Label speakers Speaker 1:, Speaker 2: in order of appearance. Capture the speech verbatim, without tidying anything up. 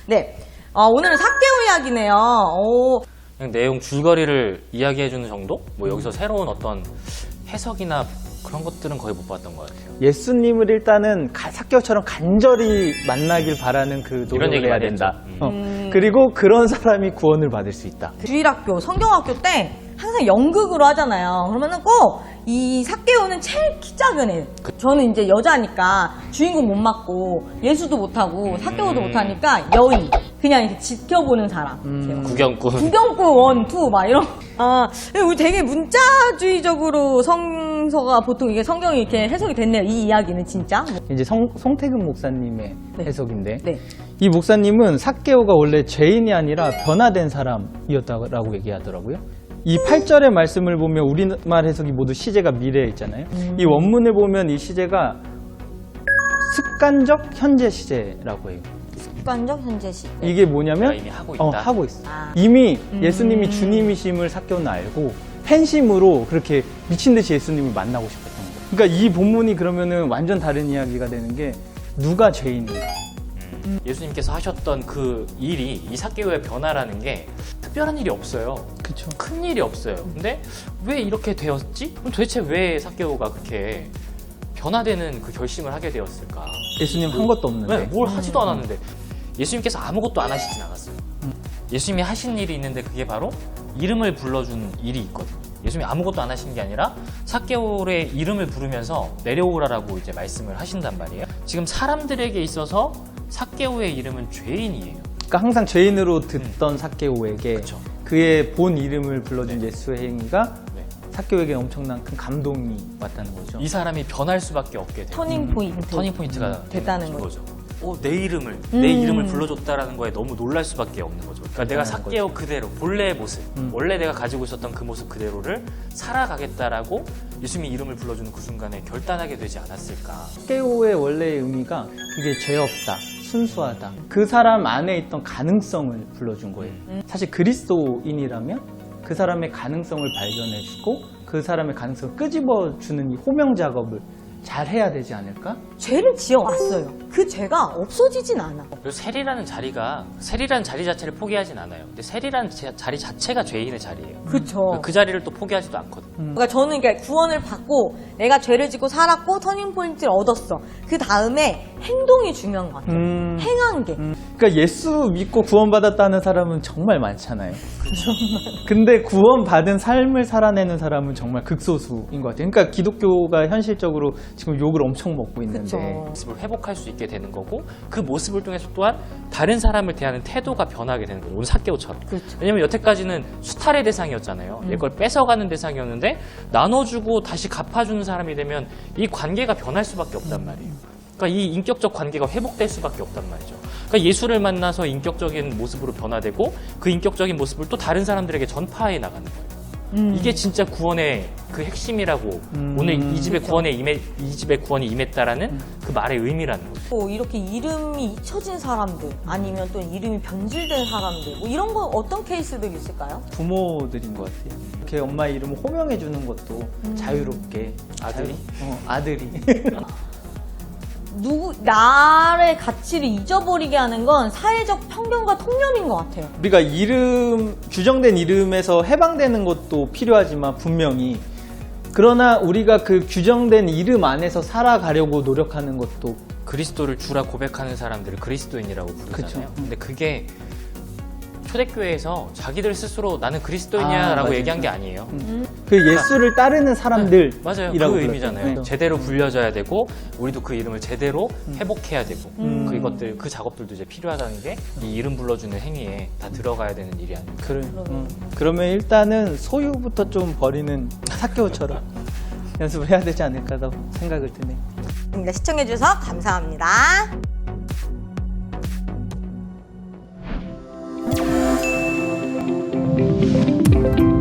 Speaker 1: 네, 어, 오늘은 삭개오 이야기네요. 오.
Speaker 2: 그냥 내용 줄거리를 이야기해주는 정도? 뭐 여기서 새로운 어떤 해석이나 그런 것들은 거의 못 봤던 것 같아요.
Speaker 3: 예수님을 일단은 가- 삭개오처럼 간절히 만나길 바라는 그
Speaker 2: 이런
Speaker 3: 노력을
Speaker 2: 얘기
Speaker 3: 해야
Speaker 2: 많이
Speaker 3: 된다.
Speaker 2: 했죠.
Speaker 3: 어.
Speaker 1: 음.
Speaker 3: 그리고 그런 사람이 구원을 받을 수 있다.
Speaker 1: 주일학교, 성경학교 때 항상 연극으로 하잖아요. 그러면은 꼭 이 삭개오는 제일 키 작은 애. 저는 이제 여자니까 주인공 못 맡고 예수도 못하고 삭개오도
Speaker 2: 음.
Speaker 1: 못하니까 여인. 그냥 이렇게 지켜보는 사람.
Speaker 3: 음.
Speaker 2: 구경꾼.
Speaker 1: 구경꾼 원, 투, 막 이런. 아, 우리 되게 문자주의적으로 성서가 보통 이게 성경이 이렇게 해석이 됐네요. 이 이야기는 진짜.
Speaker 3: 이제 성, 송태근 목사님의
Speaker 1: 네.
Speaker 3: 해석인데
Speaker 1: 네.
Speaker 3: 이 목사님은 삭개오가 원래 죄인이 아니라 변화된 사람이었다고 얘기하더라고요. 이 팔 절의 말씀을 보면 우리말 해석이 모두 시제가 미래에 있잖아요.
Speaker 1: 음.
Speaker 3: 이 원문을 보면 이 시제가 습관적 현재 시제라고 해요.
Speaker 1: 습관적 현재시.
Speaker 3: 이게 뭐냐면
Speaker 2: 내가 이미 하고 있다.
Speaker 3: 어, 하고 있어.
Speaker 1: 아.
Speaker 3: 이미
Speaker 1: 음.
Speaker 3: 예수님이 주님이심을 삭개오는 알고 팬심으로 그렇게 미친 듯이 예수님을 만나고 싶었던 거예요. 그러니까 이 본문이 그러면은 완전 다른 이야기가 되는 게 누가 죄인인가?
Speaker 2: 음. 예수님께서 하셨던 그 일이 이 삭개오의 변화라는 게 특별한 일이 없어요.
Speaker 3: 그렇죠.
Speaker 2: 큰 일이 없어요. 근데 왜 이렇게 되었지? 그럼 도대체 왜 삭개오가 그렇게 변화되는 그 결심을 하게 되었을까?
Speaker 3: 예수님 한 것도 없는데.
Speaker 2: 네, 뭘 하지도 않았는데 예수님께서 아무것도 안 하시진 않았어요. 예수님이 하신 일이 있는데 그게 바로 이름을 불러준 일이 있거든요. 예수님이 아무것도 안 하신 게 아니라 삭개오의 이름을 부르면서 내려오라라고 이제 말씀을 하신단 말이에요. 지금 사람들에게 있어서 삭개오의 이름은 죄인이에요.
Speaker 3: 그러니까 항상 죄인으로 듣던 삭개오에게
Speaker 2: 그쵸.
Speaker 3: 그의 본 이름을 불러준
Speaker 2: 네.
Speaker 3: 예수의 행위가
Speaker 2: 네.
Speaker 3: 삭개오에게 엄청난 큰 감동이 왔다는 거죠.
Speaker 2: 이 사람이 변할 수밖에 없게 돼요.
Speaker 1: 터닝 포인트.
Speaker 2: 터닝 포인트가
Speaker 1: 음, 됐다는
Speaker 2: 되는
Speaker 1: 거죠.
Speaker 2: 어, 내 이름을
Speaker 1: 음.
Speaker 2: 내 이름을 불러줬다라는 거에 너무 놀랄 수밖에 없는 거죠. 그러니까 내가
Speaker 3: 대단한
Speaker 2: 삭개오 그대로 본래의 모습,
Speaker 3: 음.
Speaker 2: 원래 내가 가지고 있었던 그 모습 그대로를 살아가겠다라고 예수님이 이름을 불러주는 그 순간에 결단하게 되지 않았을까.
Speaker 3: 삭개오의 원래의 의미가 그게 죄 없다, 순수하다. 그 사람 안에 있던 가능성을 불러준 거예요.
Speaker 1: 음.
Speaker 3: 사실 그리스도인이라면 그 사람의 가능성을 발견해주고 그 사람의 가능성을 끄집어주는 이 호명 작업을 잘 해야 되지 않을까?
Speaker 1: 죄를 지어왔어요. 그 죄가 없어지진 않아.
Speaker 2: 그리고 세리라는 자리가 세리라는 자리 자체를 포기하진 않아요. 근데 세리라는 제- 자리 자체가 죄인의 자리예요.
Speaker 1: 그쵸.
Speaker 2: 그 자리를 또 포기하지도 않거든요.
Speaker 1: 그러니까 저는 그러니까 구원을 받고 내가 죄를 짓고 살았고 터닝 포인트를 얻었어. 그 다음에 행동이 중요한 것 같아요.
Speaker 3: 음.
Speaker 1: 행한 게.
Speaker 3: 음. 그러니까 예수 믿고 구원받았다는 사람은 정말 많잖아요. 근데 구원받은 삶을 살아내는 사람은 정말 극소수인 것 같아요. 그러니까 기독교가 현실적으로 지금 욕을 엄청 먹고 있는데
Speaker 1: 그쵸.
Speaker 2: 모습을 회복할 수 있게 되는 거고 그 모습을 통해서 또한 다른 사람을 대하는 태도가 변하게 되는 거예요. 오늘 삭개오처럼.
Speaker 1: 그렇죠.
Speaker 2: 왜냐면 여태까지는 수탈의 대상이었잖아요. 내 걸 뺏어가는 대상이었는데 나눠주고 다시 갚아주는 사람이 되면 이 관계가 변할 수밖에 없단 말이에요. 그러니까 이 인격적 관계가 회복될 수밖에 없단 말이죠. 그러니까 예수를 만나서 인격적인 모습으로 변화되고 그 인격적인 모습을 또 다른 사람들에게 전파해 나가는 거예요.
Speaker 1: 음.
Speaker 2: 이게 진짜 구원의 그 핵심이라고
Speaker 3: 음.
Speaker 2: 오늘 이 집의
Speaker 1: 그렇죠.
Speaker 2: 구원에 임해 이 집의 구원이 임했다라는 그 말의 의미라는 거죠.
Speaker 1: 또 이렇게 이름이 잊혀진 사람들 아니면 또 이름이 변질된 사람들 뭐 이런 거 어떤 케이스들이 있을까요?
Speaker 3: 부모들인 것 같아요. 이렇게 엄마 이름을 호명해 주는 것도 자유롭게
Speaker 2: 아들이?
Speaker 3: 자유- 어, 아들이
Speaker 1: 누구 나의 가치를 잊어버리게 하는 건 사회적 편견과 통념인 것 같아요.
Speaker 3: 우리가 이름 규정된 이름에서 해방되는 것도 필요하지만 분명히 그러나 우리가 그 규정된 이름 안에서 살아가려고 노력하는 것도
Speaker 2: 그리스도를 주라 고백하는 사람들을 그리스도인이라고 부르잖아요.
Speaker 3: 그쵸.
Speaker 2: 근데 그게 초대교회에서 자기들 스스로 나는 그리스도인이야라고
Speaker 3: 아, 맞아요.
Speaker 2: 얘기한 게 아니에요.
Speaker 3: 그 예수를 따르는 사람들이라고
Speaker 2: 맞아요. 그
Speaker 3: 그랬어요.
Speaker 2: 의미잖아요.
Speaker 3: 그죠?
Speaker 2: 제대로 불려져야 되고 우리도 그 이름을 제대로 회복해야 되고
Speaker 3: 음.
Speaker 2: 그 이것들 그 작업들도 이제 필요하다는 게 이 이름 불러주는 행위에 다 들어가야 되는 일이 아닐까.
Speaker 3: 그래, 음. 그러면 일단은 소유부터 좀 버리는 삭개오처럼 연습을 해야 되지 않을까 생각을 드네.
Speaker 1: 시청해주셔서 감사합니다.
Speaker 3: 음.